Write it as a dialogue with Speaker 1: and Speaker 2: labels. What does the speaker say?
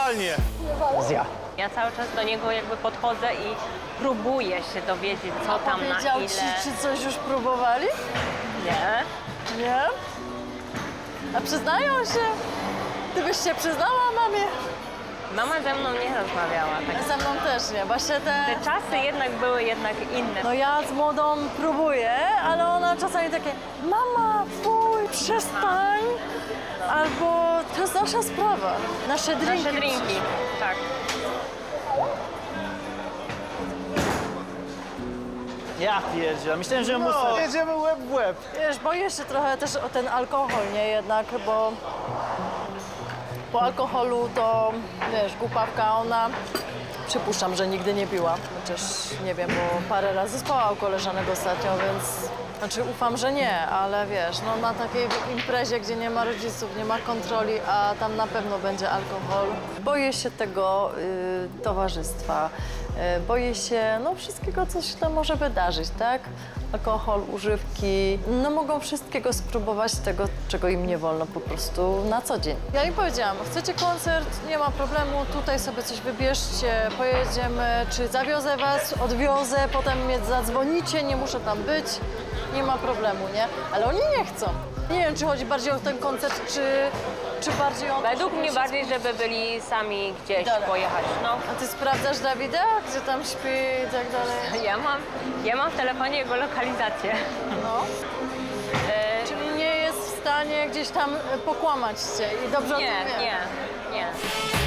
Speaker 1: Idealnie.
Speaker 2: Ja cały czas do niego jakby podchodzę i próbuję się dowiedzieć, co tam na
Speaker 3: Powiedział
Speaker 2: ile.
Speaker 3: ci, czy coś już próbowali?
Speaker 2: Nie.
Speaker 3: Nie? A przyznają się? Ty byś się przyznała mamie?
Speaker 2: Mama ze mną nie rozmawiała. Tak.
Speaker 3: Ze mną też nie, właśnie
Speaker 2: Te czasy jednak były inne.
Speaker 3: No ja z młodą próbuję, ale ona czasami takie mama, fuj, przestań. Albo to jest nasza sprawa, nasze drinki.
Speaker 2: Nasze drinki, tak.
Speaker 4: Ja pierdzielę, myślałem, że muszę.
Speaker 1: No, jedziemy łeb w łeb.
Speaker 3: Wiesz, boję się trochę też o ten alkohol, nie jednak, bo po alkoholu to, wiesz, głupawka, ona, przypuszczam, że nigdy nie piła, chociaż nie wiem, bo parę razy spała u koleżanek ostatnio, więc, znaczy ufam, że nie, ale wiesz, no na takiej imprezie, gdzie nie ma rodziców, nie ma kontroli, a tam na pewno będzie alkohol. Boję się tego towarzystwa, boję się, no wszystkiego, co się tam może wydarzyć, tak? Alkohol, używki, no mogą wszystkiego spróbować tego, czego im nie wolno po prostu na co dzień. Ja im powiedziałam, chcecie koncert, nie ma problemu, tutaj sobie coś wybierzcie, pojedziemy, czy zawiozę was, odwiozę, potem mnie zadzwonicie, nie muszę tam być, nie ma problemu, nie? Ale oni nie chcą. Nie wiem, czy chodzi bardziej o ten koncert, czy bardziej o to,
Speaker 2: Według
Speaker 3: żeby
Speaker 2: mnie
Speaker 3: się
Speaker 2: bardziej, żeby byli sami gdzieś
Speaker 3: Dobra.
Speaker 2: pojechać. No.
Speaker 3: A ty sprawdzasz Dawida, gdzie tam śpi i tak dalej?
Speaker 2: Ja mam w telefonie jego lokalizację.
Speaker 3: No. Czyli nie jest w stanie gdzieś tam pokłamać cię i dobrze o tym
Speaker 2: Nie,
Speaker 3: wie.
Speaker 2: nie.